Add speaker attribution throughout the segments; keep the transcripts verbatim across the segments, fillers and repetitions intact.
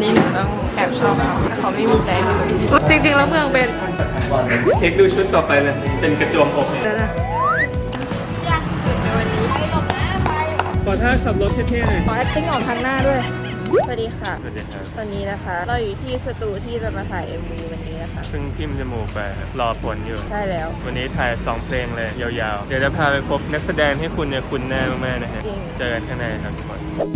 Speaker 1: นี้หนูต้องแอบชอบเขาแต่เขาไม่มีใจหนูจริงๆแล้วเมืองเป็น
Speaker 2: เค้กดูชุดต่อไปเลยเป็นกระโจมอกเนี่ย
Speaker 1: ยากสุดในวันนี้ไปหลบหน้าไป
Speaker 2: ขอท่าขับรถเท่ๆหน่อย
Speaker 1: ขอ acting ออกทางหน้าด้วยสวัสดีค่ะ
Speaker 2: สวัสดีครับ
Speaker 1: ตอนนี้นะคะเราอยู่ที่สตูที่จะมาถ่าย เอ็ม วี วันนี้นะคะ
Speaker 2: ซึ่งทิมจมูกไปรอผลอยู่
Speaker 1: ใช่แล้ว
Speaker 2: วันนี้ถ่ายสองเพลงเลยยาวๆเดี๋ยวจะพาไปพบนักแสดงให้คุณเนี่ยคุณแน่มากๆนะฮะเจอกันข้างในครับทุกคน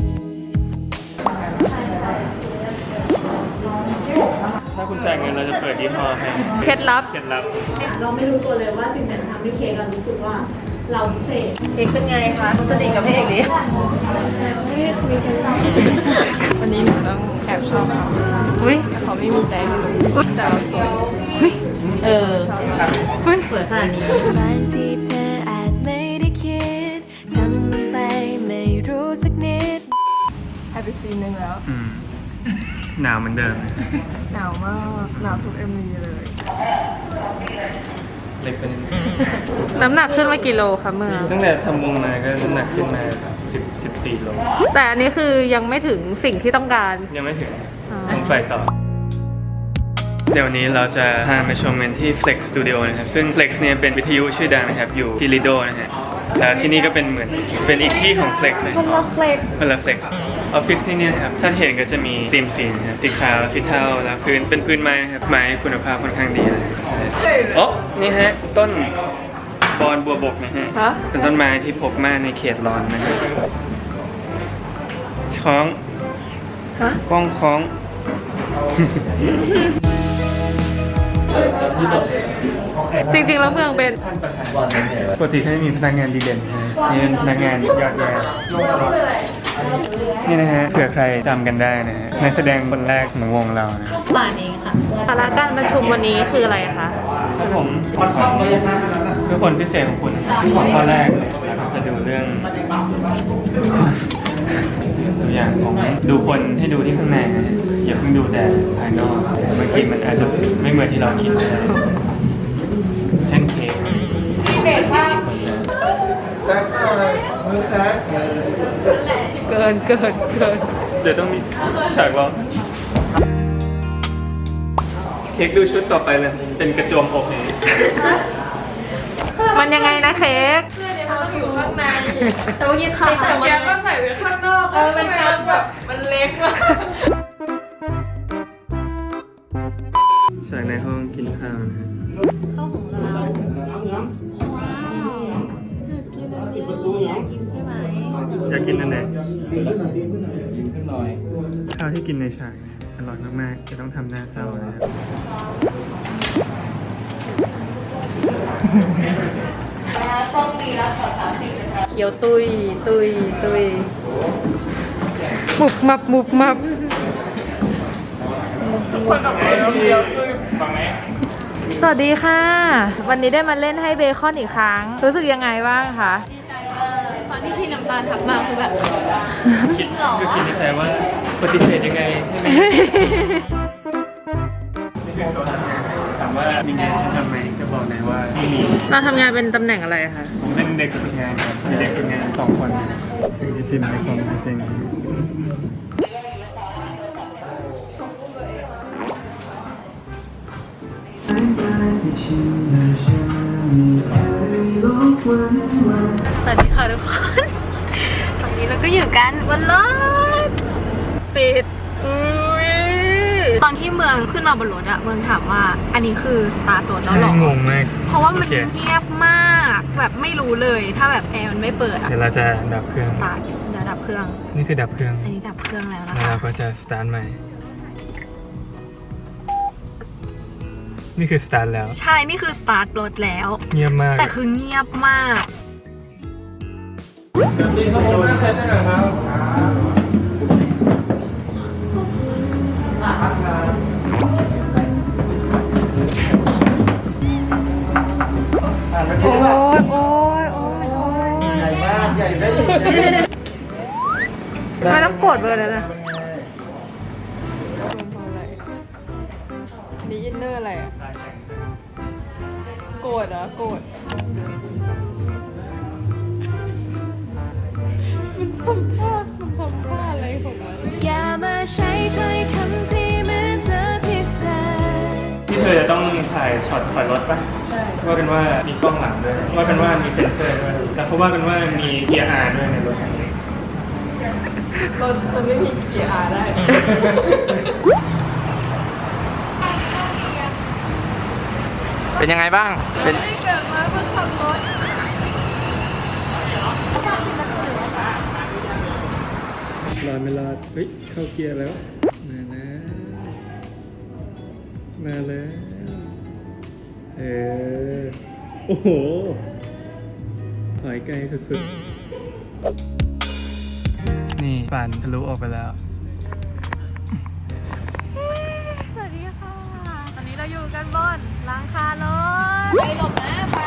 Speaker 2: ถ้าคุณจ่ายเงินเราจะเปิดยี่ห้อให้
Speaker 1: เคล็ดลับ
Speaker 2: เคล็ดลับ
Speaker 3: เราไม่รู้ตัวเลยว่าสิ่งนั้นทำให้เค้กเรารู้สึกว่าเราพิเศษ
Speaker 1: เค้กเป็นไงคะสนิทกับพระเอกดิวันนี้หนูต้องแอบชอบเขาอุ้ยเขาไม่มีใจหนูแต่เราสวยอุ้ย
Speaker 3: เออ
Speaker 1: อุ้ย
Speaker 3: สวยขนาดนี้
Speaker 4: บางทีเธออาจไม่ได้คิดทำลงไปไม่รู้สักนิด
Speaker 1: ให้ไปซีนหนึ่งแล้ว
Speaker 2: หนาวเหมือนเดิม
Speaker 1: หนาวมากหนาวทุก เอ็ม วี เลย
Speaker 2: เล็กเป็น
Speaker 1: น้ำหนักขึ้นมากี่โลคะเมื่อ
Speaker 2: ตั้งแต่ทำวงมาก็น้ำหนักขึ้นมาสิบ สิบสี่โล
Speaker 1: แต่อันนี้คือยังไม่ถึงสิ่งที่ต้องการ
Speaker 2: ยังไม่ถึงต้องไปต่อเดี๋ยวนี้เราจะพามาชมกันที่ Flex Studio นะครับซึ่ง Flex เนี่ยเป็นวิทยุชื่อดังนะครับอยู่ที่ Lido นะฮะแล้วที่นี่ก็เป็นเหมือนเป็นอีกที่ของ Flex นะ
Speaker 1: คนละ Flex
Speaker 2: คนละ Flex ออฟฟิศที่นี่นะครับถ้าเห็นก็จะมีธีมสีนะครับสีขาวสีเทาแล้วพื้นเป็นพื้นไม้นะครับไม้คุณภาพค่อนข้างดีเลยโอ้นี่ฮะต้นบอนบัวบกนะฮะเป็นต้นไม้ที่พบมากในเขตร้อนนะฮะช้องกล้องคล้อง
Speaker 1: จริงๆแล้วเมืองเป็น
Speaker 2: ปกติถ้ามีพนักงานดีเด่นนี่เป็นพนักงานยอดเยี่ยมนี่นะฮะเผื่อใครจำกันได้นะฮะนักแสดงคนแรกของวงเรานะ
Speaker 3: ป่านเองค่ะ
Speaker 1: สาระการประชุมวันนี้คืออะไรคะ
Speaker 2: คือผมคือคนพิเศษของคุณข้อแรกเลยเราจะดูเรื่องตัวอย่างของดูคนให้ดูที่ข้างในนะอย่าเพิ่งดูแต่ภายนอกบางทีมันอาจจะไม่เหมือนที่เราคิดเช่นเค้ก
Speaker 1: เด็กมากเกินเกินเกิน
Speaker 2: เดี๋ยวต้องมีฉากร้องเค้กดูชุดต่อไปเลยเป็นกระโจมอกนี้
Speaker 1: มันยังไงนะเค้ก
Speaker 3: เสื้อเนี่ยมันต้องอยู่ข้างใน
Speaker 1: แต่เมื่อกี้ถ่าย
Speaker 3: แต่แกก็ใส่ไว้ข้างนอกเออมันแบบมันเล็กอะ
Speaker 2: ฉากในห้องกินข้าวนะ
Speaker 3: ข้าวของเราว้าวอยากกินอันนี้อยากกินใช่ไหม
Speaker 2: อยากกินอันไหนข้าวที่กินในฉากอร่อยมากๆจะต้องทำหน้าเศร้านะครับ
Speaker 1: เขียวตุยตุยตุยมุบมับมุบมับสวัสดีค่ะวันนี้ได้มาเล่นให้เบคอนอีกครั้งรู้สึกยังไงบ้างคะ
Speaker 3: ตอนที่พี่น้ำตาลทักมาคือแบบจริงหรอ
Speaker 2: คือคิดในใจว่าปฏิเสธยังไงใช่ไหมถามว่ามีงานทำไหมก็บอกเลยว่าไม่มี
Speaker 1: เราทำงานเป็นตำแหน่งอะไรคะ
Speaker 2: ผมเป็นเด็กฝึกงานครับมีเด็กฝึกงานสองคนสิ่งที่พิมพ์ในความจริง
Speaker 3: สวัสดีค่ะทุกคนตอนนี้เราก็อยู่กันบนรถปิดตอนที่เมืองขึ้นมาบนรถอะเมืองถามว่าอันนี้คือสตาร์ทรถแล้วหรอง
Speaker 2: งมาก
Speaker 3: เพราะว่ามันเงียบมากแบบไม่รู้เลยถ้าแบบแอร์มันไม่เปิดอะ
Speaker 2: เดี๋ยวเราจะดับเครื่อง
Speaker 3: สตาร์ทเดี๋ยวดับเครื่อง
Speaker 2: นี่คือดับเครื่อง
Speaker 3: อันนี้ดับเครื่องแล้วนะคะ
Speaker 2: แล้วเราก็จะสตาร์ทใหม่นี่คือสตาร์ทแล้ว
Speaker 3: ใช่นี่คือสตาร์ทรถแล้ว
Speaker 2: เงียบมาก
Speaker 3: แต่คือเงียบมาก
Speaker 2: มีสมุดมาเซ็นได้ไหมครับ
Speaker 1: โอ้ยโอ้ยโอ้ย
Speaker 5: ใหญ่มากใหญ่ได้
Speaker 1: ไม่ต้องกดเบอร์แล้วนะนี่อินเนอร์อะไรอ่ะโกรธเหรอโกรธมันทำท่ามันทำท่าอะไรของมัน
Speaker 4: อย่ามาใช้ถ้อยคำ
Speaker 2: ธอจะต้องถ่ายช็อตถอยรถป่ะใช่ว่ากันว่ามีกล้องหลังด้วยว่ากันว่ามีเซ็นเซอร์ด้วยแล้วเขาว่ากันว่ามีเกียร์ R ด้วยในรถคันนี้
Speaker 1: เราจะไม่มีเกียร์อาได้
Speaker 2: เป็นยังไงบ้างเป็น
Speaker 1: ไม่เกิดมาเพื่อขับรถ
Speaker 2: รอดไม่รอดเฮ้ยเข้าเกียร์แล้วมานะมาแล้วเออโอ้โหถอยไกลสุดๆนี่ปั่นทะลุออกไปแล้ว
Speaker 3: สวัสดีค่ะ ตอนนี้เราอยู่กันบนหลังคารถไปหลบนะไป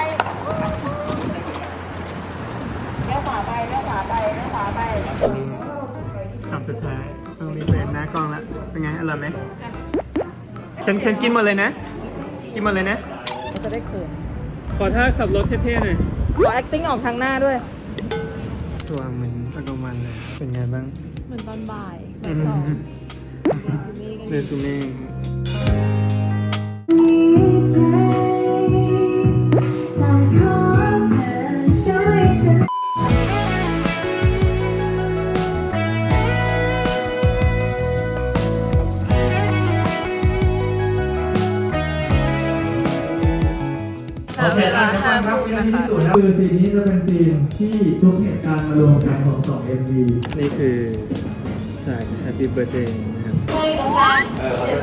Speaker 3: เลี้ยวขวาไปเลี้ยวขวาไปเลี้ยวขวาไป
Speaker 2: คำสุดท้ายต้องรีบเปิดหน้ากล้องแล้วเป็นไงอร่อยไหมฉันฉันกินหมดเลยนะ กินหมดเลยนะ
Speaker 1: จะได้เขิน
Speaker 2: ขอท่าขับรถเท่ๆหน่อย
Speaker 1: ขอ acting ออกทางหน้าด้วย
Speaker 2: ตัวเหมือนตะกมันเลย เป็นไงบ้าง
Speaker 1: เหมือนตอนบ่ายบ่ายสอง
Speaker 2: เรซูเม่
Speaker 1: เวลาห้าทุ่มนะคะ
Speaker 5: คือซีนนี้จะเป็นซีนที่ทุกเหตุการณ์มารวมกันของสอง เอ็ม วี
Speaker 2: นี่คือฉาก Happy Birthday นะครับ
Speaker 3: เลยตรงกลาง